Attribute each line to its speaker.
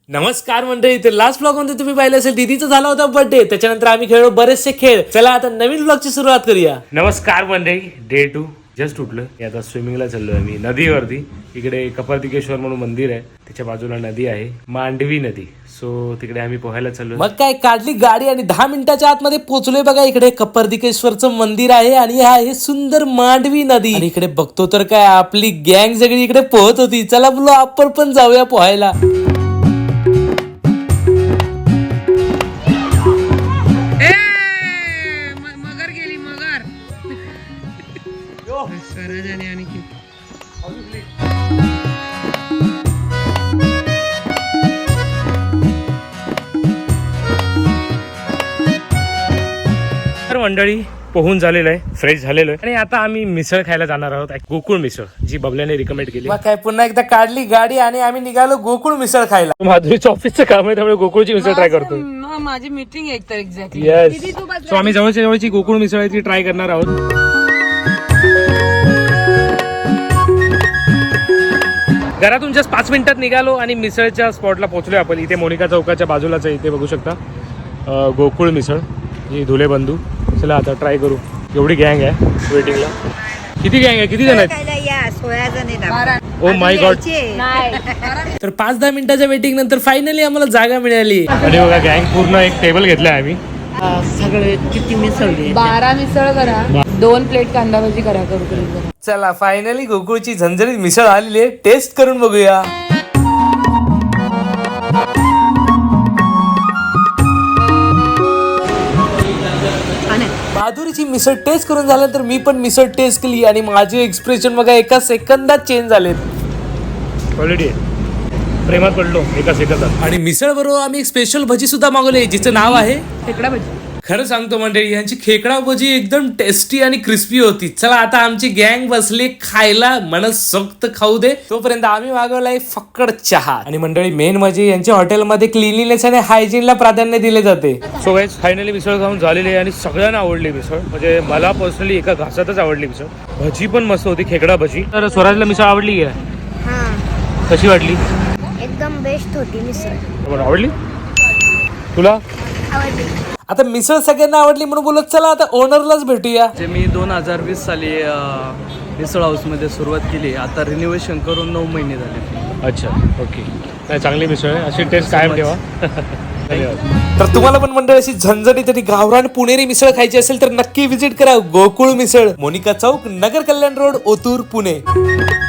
Speaker 1: नमस्कार मंडळी, ते लास्ट ब्लॉग मध्ये तुम्ही पाहिलं असेल दीदीचा झाला होता बर्थडे. त्याच्यानंतर आम्ही खेळलो बरेचसे खेळ. चला आता नवीन ब्लॉगची सुरुवात करूया. नमस्कार मंडळी, डे 2 जस्ट उठलं. आता स्विमिंगला चाललोय आम्ही नदीवरती. इकडे कपालतिकेश्वर म्हणून मंदिर आहे, त्याच्या बाजूला नदी आहे, मांडवी नदी. सो तिकडे आम्ही पोहायला चाललो. मग काय, काढली गाडी आणि 10 मिनिटाच्या आतमध्ये पोहोचलोय. बघा इकडे कपालतिकेश्वरचं मंदिर आहे आणि हा आहे सुंदर मांडवी नदी. आणि इकडे बघतो तर काय आपली गँग सगळी इकडे पोहत होती. चला बोलो आपण पण जाऊया पोहायला. मंडळी पोहून झालेलं आहे, फ्रेश झालेलो आहे आणि आता आम्ही मिसळ खायला जाणार आहोत. गोकुळ मिसळ, जी बबल्याने रिकमेंड केली. काय पुन्हा एकदा काढली गाडी आणि आम्ही निघालो गोकुळ मिसळ खायला. माधुरीचं ऑफिसचं काम आहे, त्यामुळे गोकुळची मिसळ ट्राय करतो.
Speaker 2: माझी मीटिंग आहे तर एक्झॅक्टली.
Speaker 1: येस, सो आम्ही जवळची गोकुळ मिसळ आहे ती ट्राय करणार आहोत. घरातून जस्ट 5 मिनिटात निघालो आणि मिसळच्या स्पॉटला पोहोचलोय आपण. इथे मोनिका चौकाच्या बाजूलाच आहे, इथे बघू शकता गोकुळ मिसळ, ही धुले बंधू. चला आता ट्राय करू. एवढी गँग आहे वेटिंगला. किती गँग आहे, किती जण आहेत?
Speaker 2: 16 जण.
Speaker 1: Oh my god. तर 5-10 मिनिटाच्या वेटिंग नंतर फायनली आम्हाला जागा मिळाली. आणि बघा गँग पूर्ण एक टेबल घेतलाय आम्ही.
Speaker 2: सगळे किती मिसळ?
Speaker 3: 12 मिसळ करा, 2 प्लेट कांदा भाजी करा. करू.
Speaker 1: चला फायनली गोकुळची झणझणीत मिसळ आलेली आहे, टेस्ट करून बघूया. माधुरीची मिसळ टेस्ट करून झाल्यानंतर मी पण मिसळ टेस्ट केली आणि माझे एक्सप्रेशन बघा एका सेकंदात चेंज झाले. क्वालिटी प्रेमात पडलो एका सेकंदात. आणि मिसळ बरोबर आम्ही एक स्पेशल भजी सुद्धा मागवली, जिचं नाव आहे
Speaker 3: खेकडा भजी.
Speaker 1: खरं सांगतो मंडळी, यांची खेकडा भजी एकदम टेस्टी आणि क्रिस्पी होती. चला आता आमची गँग बसली खायला, मनसोक्त खाऊ दे. तोपर्यंत आम्ही मागवलाय फक्कड चहा. आणि मंडळी मेन म्हणजे यांच्या हॉटेलमध्ये क्लिनलीनेस आणि हायजीनला प्राधान्य दिले जाते. सो गाईज फायनली मिसळ खाऊन झालेली आहे आणि सगळ्यांना आवडली मिसळ. म्हणजे मला पर्सनली एका घासातच आवडली मिसळ. भजी पण मस्त होती, खेकडा भजी. तर स्वराजला मिसळ आवडली आहे? कशी वाटली?
Speaker 4: एकदम बेस्ट होती मिसळ.
Speaker 1: आवडली तुला?
Speaker 4: आवडली.
Speaker 1: आता मिसळ सगळ्यांना आवडली म्हणून बोलत चला आता ओनरलाच भेटूया.
Speaker 5: मी 2020 साली मिसळ हाऊसमध्ये सुरुवात केली. आता रिनोव्हेशन करून 9 महिने झाले.
Speaker 1: अच्छा, ओके. नाही, चांगली मिसळ आहे, अशी टेस्ट कायम ठेवा. धन्यवाद. तर तुम्हाला पण मंडळ अशी झणझणीत आणि गावरान पुणेरी मिसळ खायची असेल तर नक्की विजिट करा गोकुळ मिसळ, मोनिका चौक, नगर कल्याण रोड, ओतूर, पुणे.